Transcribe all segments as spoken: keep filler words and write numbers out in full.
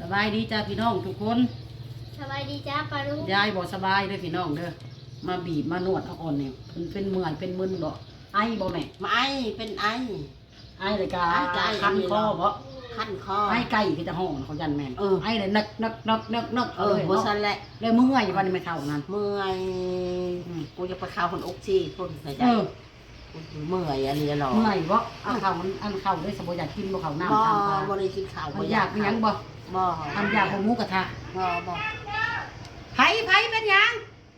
บายดีจ้าพี่น้องทุกคนสบายดีจ้าปารุยายบอกสบายเด้อพี่น้องเด้อมาบีบมานวดเอาอ่อนเนี่ยเป็นเป็นเมื่อยเป็นมึนบ่ไอบ่แม่มาไอเป็นไอไอเลยกาคันคอบ่คันคอไอไก่ก็จะห้องเขายันแม่นไอเลยนักนักนักนักนักเออบ่ซั่นแหละเลยเมื่อยวันนี้ไม่เท่านั้นเมื่อยกูจะไปเข้าคนอกซี่คนใส่ใจเมื่อยอะไรหรอเมื่อยบ่เอาข้าวมันอันข้าวด้วยสมบูรณ์อยากกินบ่ข้าวน้ำทำบ่บ่ได้กินข้าวบ่อยากเป็นยังบ่บ่ทำอยากของหมูกระทะบ่บ่ไผไผเป็นยัง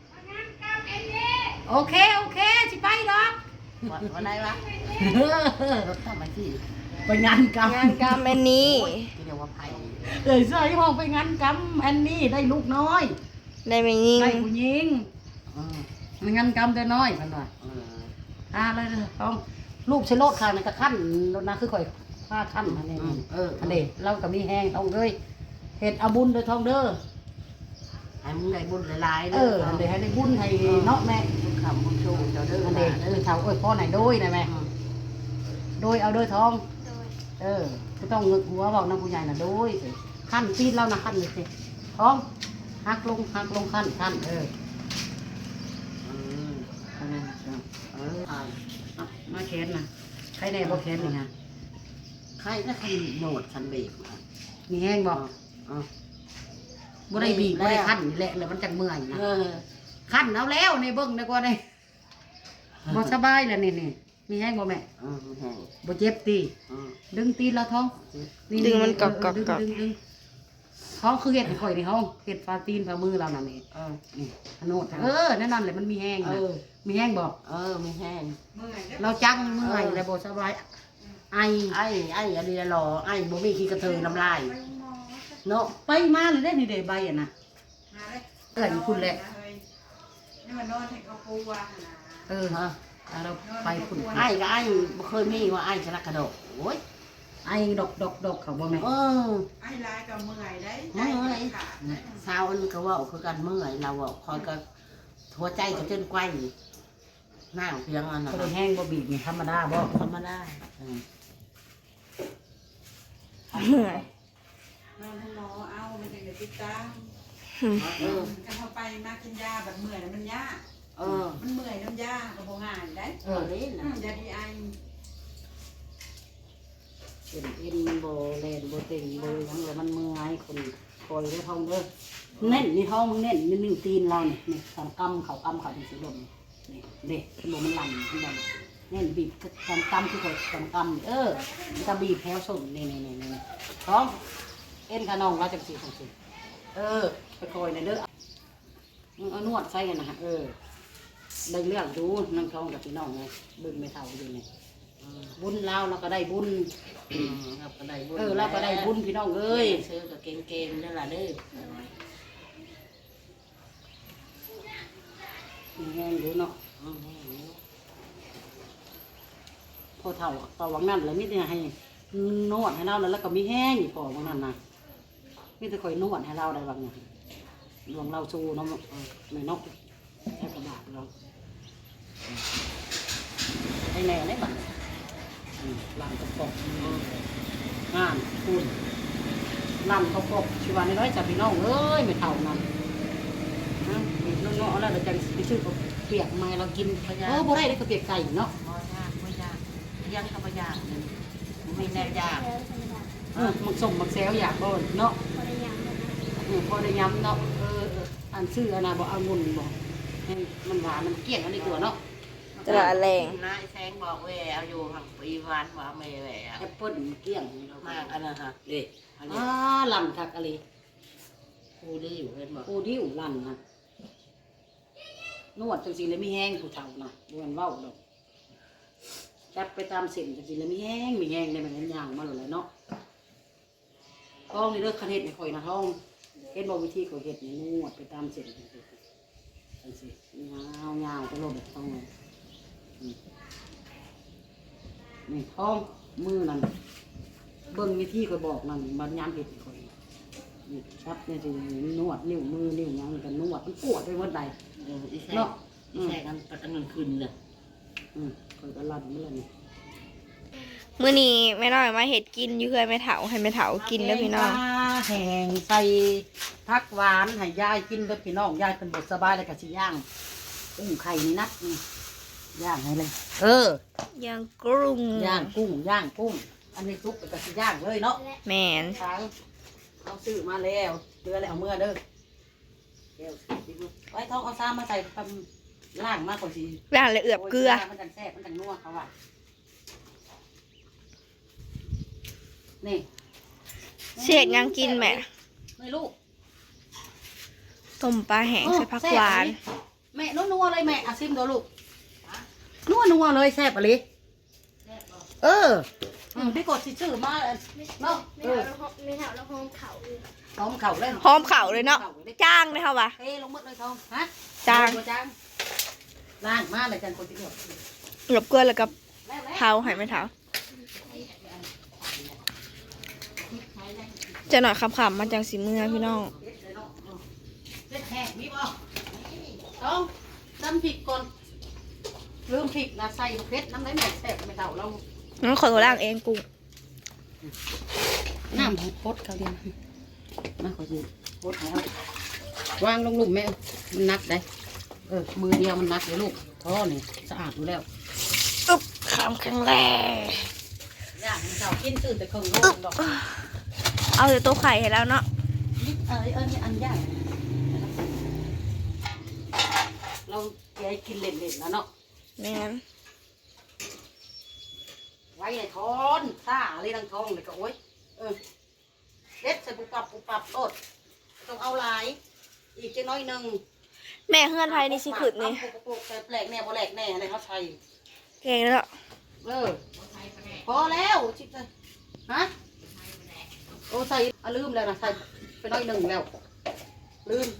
โอเคโอเคสิไปดอกวันไหนวะรถทำไมที่ไปงานกรรมงานกรรมอันนี้เรียกว่าไผเอ้ยใส่ห้องไปงานกรรมอันนี้ได้ลูกน้อยได้ไม่ยิงได้ผู้หญิงงานกรรมแต่น้อยพันว่าอ่าเลยต้องลูกเชโลดค่ะนั่นก็ขั้นรถนะคือข่อยผ้าขั้นอันนี้เอออันนี้เราก็มีแห้งทองเลยเห็ดเอาบุญโดยทองเด้อให้มึงได้บุญหลายๆเอออันนี้ให้ได้บุญให้เนาะแม่บุญคำบุญชูเจ้าเด้ออันนี้เออเท่าเอ้ยพ่อไหนโดยนะแม่โดยเอาโดยทองเออก็ต้องเงือกหัวบอกน้ำผู้ใหญ่น่ะโดยขั้นปีนเรานะขั้นเลยสิทองหักลงหักลงขั้นขั้นเออเออมาแขนนะใครแน่บ่แขนนี่ฮะใครก็คันโหนดคันเบรกมีแห้งบ่บ่ได้บีบบ่ได้ขั้นนี่แหละแล้วมันจังเมื่อยนะขั้นเอาแล้วในเบิ่งดีกว่าได้บ่สบายแล้วนี่นี่มีแห้งบ่แม่บ่เจ็บตีดึงตีนแล้วท้องดึงมันกรอบกรอบกรอบท้องคือเห็ดข่อยในห้องเห็ดฟาตีนฝ่ามือเรานั่นเองเออนี่ขนดเออแน่นอนเลยมันมีแห้งเออมีแห้งบอกเออมีแห้งเราจังเมื่อยเลยบ่สบายไอไอไออะไรหรอไอบ่มีขี้กระเทยน้ำลายเนาะไปมาเลยได้นี่เดใบอ่ะนะเกิดคุณแหละนี่มันนอนให้เขาปูว่าเออฮะเราไปคุณไอกับไอบ่เคยมีว่าไอชนะกระโดดโอ้ยไอ้ดอกดอกดอกเขาบ่แม่เออไอ้ลายกับเมื่อยได้เมื่อยสาวอันก็ว่าคือกันเมื่อยเราคอยก็หัวใจก็จนไกวหน้าเพียงอันนั้นก็แห้งบ่บีบนี่ธรรมดาบ่ธรรมดาเมื่อยนอนให้หมอเอามันจะเกิดติดตามเออถ้าเขาไปมากินยาแบบเมื่อยมันยาเออมันเมื่อยน้ำยาก็บ่ง่ายได้เออนี่นะยาดีไอเป็นเอ็นโบเลนโบเต็งโบยังเลยมันมือไงคนคอยได้ท้องเด้อเน่นนี่ท้องมึงเน่นนี่หนึ่งตีนเราเนี่ยนี่สามกำเขากำเขาเป็นสีดำนี่เด็กโบมันหลั่นที่นั่นเน่นบีบสามกำคือคนสามกำเออมันจะบีบแถวส่งนี่นี่นี่นี่ท้องเอ็นขนองว่าจะสีของสีเออไปคอยในเด้อมึงเอานวดใส่กันนะฮะเออได้เลือกดูนั่งท้องกับพี่น้องไงบึ้งไม่เท่าอยู่เนี่ยบุญเราเราก็ได้บุญเราก็ได้บุญเออเราก็ได้บุญพี่น้องเอ้ยซื้อกับเกงเกงนั่นแหละเด้อมีแห้งอยู่เนาะพอเท่าต่อวังนั่นแล้วมิแต่ให้นวดให้เราแล้วก็มีแห้งพอวังนั่นนะมิแต่คอยนวดให้เราได้บางอย่างหลวงเราชูเนาะไม่นกแค่กระบาดเราให้แน่ได้บ้างลำกระปกงานคุณลำกระปกชีวาในร้อยจับพี่น้องเอ้ยไม่เท่านั้นนะมีน้องๆแล้วเราจะไปซื้อกับเปียกไม้เรากินเออบ่ได้ได้กับเปียกไก่เนาะบ่ยากบ่ยากยังก็บ่ยากไม่แน่ยากเออมักส่งมักแซวอยากบ่เนาะเออพอได้ย้ำเนาะเอออันซื้ออันน่ะบ่เอางุ่นบ่มันหวานมันเกลี้ยงอันนี้ตัวเนาะตระแรงนะแซงบอกเวเอาอยู่หักปีวันว่าเมย์แหวแอปเปิ้ลเกลี้ยงมากอันนั้นฮะเด็กอ่าลำทักอะไรกูดิ้วเห็นบอกกูดิ้วลำนะนวดจังสิเลยไม่แห้งผู้เฒ่านะดวนว่าวดอกจับไปตามเส้นจังสิเลยไม่แห้งไม่แห้งได้เหมือนกันย่างมาเลยเนาะท้องนี่เลิกคันเห็ดไม่ค่อยนะท้องเห็ดบอกวิธีเขาเห็ดนี่นวดไปตามเส้นจังสิจังสิยาวยาวไปโลดแบบท้องเลยนี่ท้องมือนั่นเบิ้งวิธีคอยบอกนั่นมันย้ำเห็ดคอยนี่ครับเนี่ยสินวดนิ้วมือนิ้วยังกันนวดมันปวดไปหมดใดเนาะแช่กันประกันเงินคืนเลยอืมคอยกระลันเมื่อนี่มื้อนี้แม่น้อยมาเห็ดกินอยู่เพื่อนแม่เฒ่าให้แม่เฒ่ากินเด้อพี่น้องแห้งใส่ผักหวานให้ยายกินเด้อพี่น้องยายเป็นบทสบายแล้วก็สิย่างกุ้งไข่นี่นัดนี่ย่างให้เลย เออย่างกรุงย่างกุ้งย่างกุ้งอันนี้ซุปแล้วก็สิย่างเลยเนาะแมนช้างเอาซื้อมาแล้วเดือแล้วเอาเมื่อเด้อเดี๋ยวสิดูไว้ท้องเอาซ้ำมาใส่ตำล่างมากกว่าสิย่างเลยเอือบเกลือมันจังแซ่บมันจังนัวเขาว่านี่เสียดยังกินแม่ไม่ลูกต้มปลาแห้งใส่ผักหวานแม่นัวๆเลยแม่อาซิมดูลูกนัวนัวๆเลยแซ่บอะไรเอออืมพี่กดสิชื่อมาเนาะเออไม่ถามแล้วห้องเขาเลยหอมเข่าเลยหอมเข่าเลยเนาะจ้างเลยค่ะวะเทลงหมดเลยทองฮะจ้างจ้างล่างมาเลยจันคนที่เดียวหลบเกลือแล้วกับแล้วแล้วเท้าให้ไม่เท้าจะหน่อยคำๆมาจังสีเมือพี่น้องเล็ดแห้งมีบ่ต้องน้ำพริกก่อนลืมพริกนะใส่เพชรน้ำไหลแม่แซ่บไม่เท่าเราน้องขอล่างเองกุ้งน้ำของโคตรเขาเดียวมาขอยืนโคตรแล้ววางลงลุ่มแม่มันนักได้เออมือเดียวมันนักเลยลูกท่อนี่สะอาดอยู่แล้วอึ๊บขามแข็งแรงย่างมันเท่ากินตื่นแต่ครึ่งโลกดอกเอาแต่ตัวไข่ให้แล้วเนาะนิดเออเออนี่อันย่างเราแกกินเล่นๆแล้วเนาะแม่นไว้ในท้อนซ่าอะไรทั้งท้องเลยก็โอ๊ยเออเล็ดใส่ปุบปับปุบปับโตดต้องเอาหลายอีกจังน้อยหนึ่งแม่เฮือนไทยนี่สิขึ้นนี่เอาปุกๆแต่แปลกแน่บ่แปลกแน่อะไรเขาใส่เก่งแล้วเออพอแล้วชิบเลยฮะโอ้ใส่อ่ะลืมแล้วนะใส่ไปน้อยหนึ่งแล้วลืม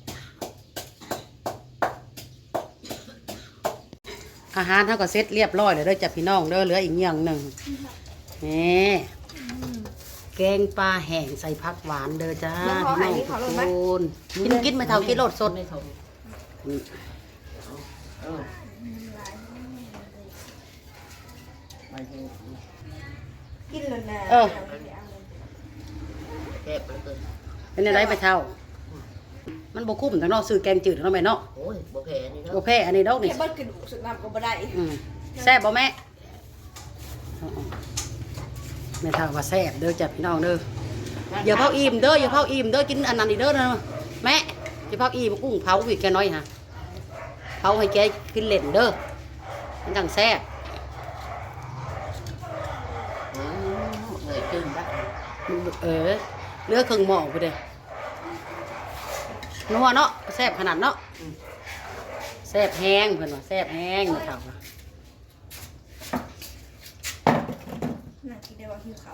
อาหารเท่ากับเซ็ตเรียบร้อยเลยเด้อจ้ะพี่น้องเด้อเหลืออีกอย่างหนึ่งนี่แกงปลาแห้งใส่ผักหวานเด้อจ้าพี่น้องทุกคนกินกินไม่เท่ากินรสสดอืมเออกินแล้วนะเออแซ่บเหลือเกินเป็นอะไรไปเท่า มันบกุ้มแต่นอกซื้อแกงจืดเนาะแม่เนาะโอ้ยบ่แพ้นี่โอเนาะเคอันนี้ดอกนี่แค่เบิ้ลกระดูกสุดน้ำก็บ่ได้อืมแซ่บบ่แม่อ๋อแม่เท่าว่าแซ่บเด้อจ้ะพี่น้องเด้ออย่าเผาอิ่มเด้ออย่าเผาอิ่มเด้อกินอันนั้นอีกเด้อนะแม่อย่าเผาอิ่มกุ้งเผาอีกแกน้อยฮะเผาให้แกกินเล่นเด้อมันจังแซ่บอืมเอ้ยขึ้นบ้างเออเลือกเครื่องหม้อไปเด้นัวเนาะแซ่บขนาดเนาะแซ่บแห้งเพิ่นว่าแซ่บแห้งนี่ครับน่ากินได้ว่าหิวเขา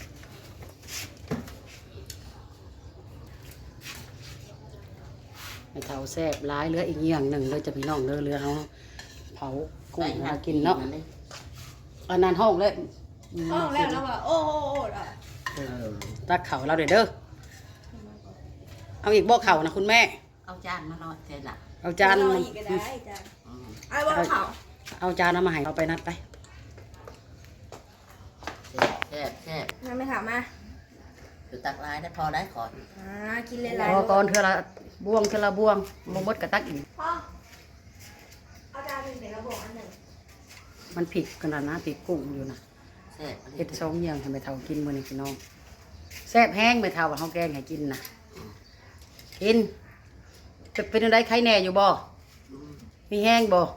ให้เท่าแซ่บร้ายเหลืออีกอย่างหนึ่งเลยจะพี่น้องเด้อเรือเอาเผากุ้งมากินเนาะอันนั้นห้องเลยห้องแล้วแล้วว่าโอ้โอ้โอ้ล่ะเออตักเข่าเราเด้อเด้อเอาอีกบ่เข่านะคุณแม่เอาจานมาหน่อยเสร็จละเอาจานรออีกก็ได้จ้ะอืมไอ้ว่าเขาเอาจานเอามาให้เอาไปนัดไปแซ่บแซ่บแซ่บงั้นไม่ถามมาอยู่ตักลายได้พอได้ก่อนอ่ากินหลายพอก่อนเธอละบวงเธอละบวงบ่หมดกระตักอีกพ่อเอาจานหนึ่งเดี๋ยวเราบอกอันหนึ่งมันผิดขนาดนะผิดกุ้งอยู่นะแซ่บเฮ็ดสองอย่างให้แม่เฒ่ากินมื้อนี้พี่น้องแซ่บแห้งแม่เฒ่าว่าเฮาแกงให้กินน่ะกินจะเป็นจังได๋ไข้แน่อยู่บ่อืมมีแห้งบ่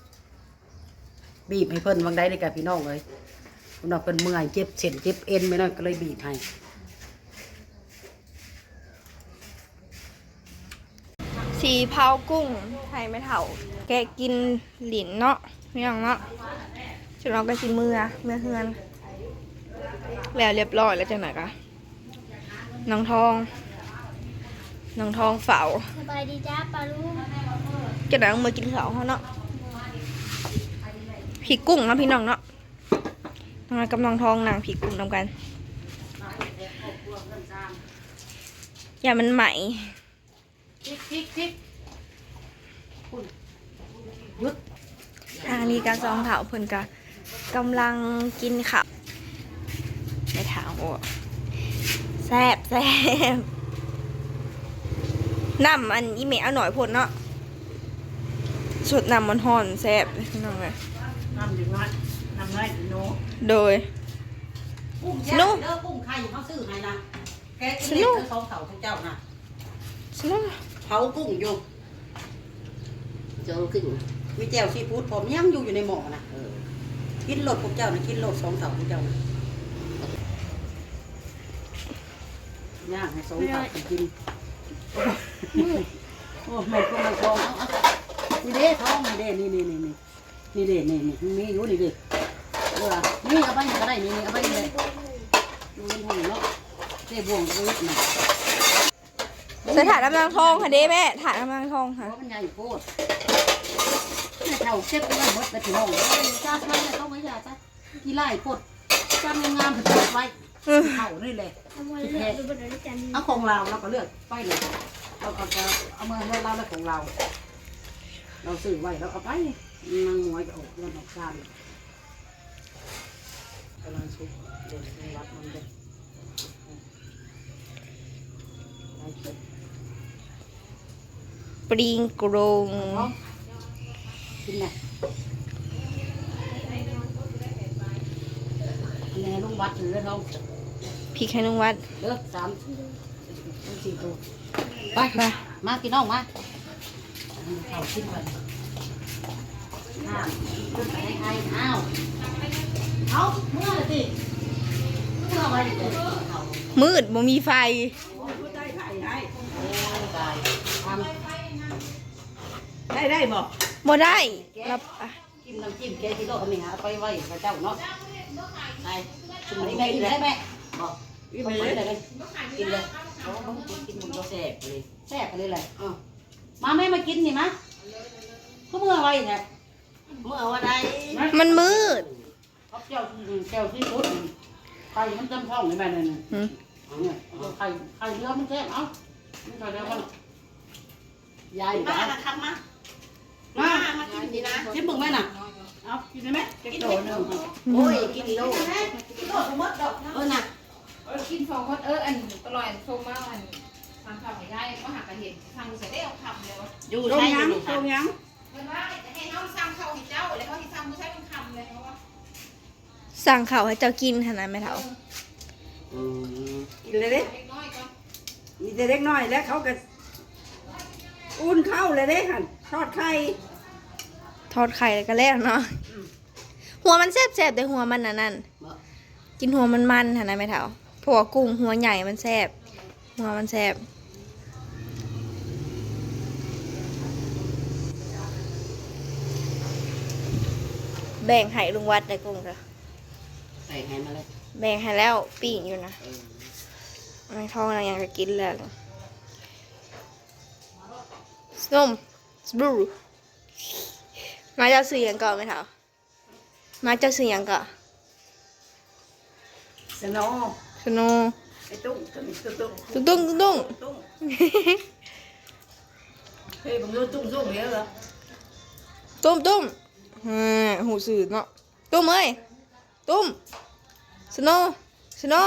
บีบให้เพิ่นวังได้เลยกับพี่น้องเลยพี่น้องเพิ่นเมื่อยเจ็บเส้นเจ็บเอ็นไปหน่อยก็เลยบีบให้สีเผากุ้งไทยไม่เถ่า แกะกินหลินเนาะไม่ยังเนาะจุดเราก็สิเมื่อเมื่อเฮือน แล้วเรียบร้อยแล้วจังไหนกะน้องทองน้องทองเฝ้าสบายดีจ้าปลาลูกจะได้เอามือกินข้าวเขาเนาะผีกุ้งเนาะพี่น้องเนาะน้องกับน้องทองนางผีกุ้งนำกัน อย่ามันใหม่พริกพริกพริกคุณหยุดทางนี้การซองเถาเพิ่นกะกำลังกินข้าวในถาวแซ่บแซ่บน้ำอันอีเมลเอาหน่อยพดเนาะสดน้ำมันห่อนแซ่บพี่น้องเลยน้ำอยู่น้อยน้ำน้อยโนโดยกุ้งแช่เด้อกุ้งไข่เขาซื้อให้นะแกกินเล็กเด้อสองเสาทุกเจ้านะสนุกเผากุ้งอยู่เจอกุ้งมีแจ่วซีฟู้ดผมยังอยู่อยู่ในหม้อนะเออกินโลดพวกเจ้านะกินโลดสองเสาพวกเจ้านะย่างให้สองเสาไปกินโอ้หมดก็มาทองเอาเอานี่เด้ทองนี่เด้นี่นี่นี่นี่นี่เด้นี่นี่มีอยู่นี่เด้เออนี่เอาไปก็ได้นี่เอาไปเลยดูมันหุ่นเนาะเจ๊บวงก็ยึดมาใส่ถาดน้ำนางทองค่ะเด้แม่ถาดน้ำนางทองเพค่ะราะมันใหญ่โคตรแม่เท่าเก็บไว้หมดไปถึงห้องจ้าใช่ไหมต้องไม่ยาจ้าที่ไล่โคตรจ้างามๆถึงเก็บไว้เท่านี่เลยเอามาเลือกดูบนนั้นกันเอาของเราเราก็เลือกไปเลยเราเอาเอามาให้เราแล้วของเรา เราซื้อไว้เราเอาไปนางหวยก็ออกเงินออกการกำลังชุบเดินในวัดมันเด็กปริงกรงกินไงอันนี้ลุงวัดหรือท้องพริกให้นุ่งวัดเลือกสามสี่ตัวไปมามากินน้องมาเขากินก่อนห้ามขึ้นไปให้ใครอ้าวเอาเมื่อไรสิเมื่อไว้เดี๋ยวเขามืดบ่มีไฟได้ไข่ได้โอ้ยตายทำได้ได้บอกบ่ได้รับอ่ะกินน้ำจิ้มแกที่โลกนี่ฮะไปไว้พระเจ้าเนาะไปชุมนี้แม่กินได้ไหมบอกกินเลยเลยกินเลยเขาต้องกินมันก็แซ่บเลยแซ่บเลยเลยอ่ะมาแม่มากินนี่มะเขาเมื่อไว้เนี่ยเมื่อวันใดมันมืดเขาเจ้าเจ้าที่สุดไข่มันจำท้องเลยแม่เนี่ยหืมเนี่ยไข่ไข่เรือมันแซ่บเอ้ามันไข่เรือมันยายมาละครับมามามากินดีนะชิมมึงไหมน่ะเอากินได้ไหมกินโดนึงโอ้ยกินโลกินโลสมมติดอกเออน่ะกินฟองก็เอออันตลอดโซมาอันทำข่าวไม่ได้ก็หักกระเห็นทางใส่ได้เอาคำเลยวะอยู่ตรงใช่ยังอยู่ตรงยังเพื่อนว่าให้เขาซ้ำเขาให้เจ้าแล้วเขาที่ซ้ำก็ใช้เป็นคำเลยเพราะว่าสั่งข้าวให้เจ้ากินขนาดไม่เท่าอืมกินเลยเด้เล็กน้อยก็มีแต่เล็กน้อยแล้วเขาก็อุ่นเข้าเลยเด้หันทอดไข่ทอดไข่แล้วก็แล้วเนาะหัวมันแซ่บแซ่บแต่หัวมันน่ะนั่นกินหัวมันมันขนาดไม่เท่าเพราะว่ากุ้งหัวใหญ่มันแซ่บหัวมันแซ่บแบ่งให้ลุงวัดได้กุ้งจ้ะใส่ไงมาเลยแบ่งให้แล้วปิ้งอยู่นะเออไม่ท้องอะไรอย่างจะกินแล้วส้มสบลูมาเจ้าสื่อหยังก่อนไหมเถามาเจ้าสื่อหยังก่อนสโนสโนไอ้ตุ้งตุ้งตุ้งตุ้งตุ้งตุ้งตุ้งตุ้งเฮ้ยผมรู้ตุ้งตุ้งเยอะเหรอตุ้มตุ้มฮ่าหูสื่อเนาะตุ้มเอ้ยตุ้มสโนสโน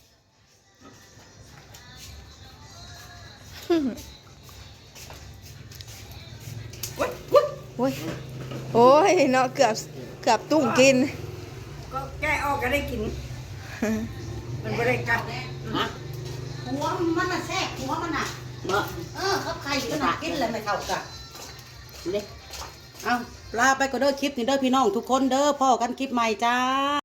โอ้ยโอ้ยโอ้ยเนาะเกือบเกือบตุ้งกินก็แก้ออกก็ได้กิน มันไม่ได้กัดฮะหัวมันน่ะแซ่บหัวมันน่ะเนาะเออเขาไข่ก็น่ะกินเลยไม่เท่ากันเด็กเอาลาไปก็เด้อคลิปนี่เด้อพี่น้องทุกคนเด้อพ่อกันคลิปใหม่จ้า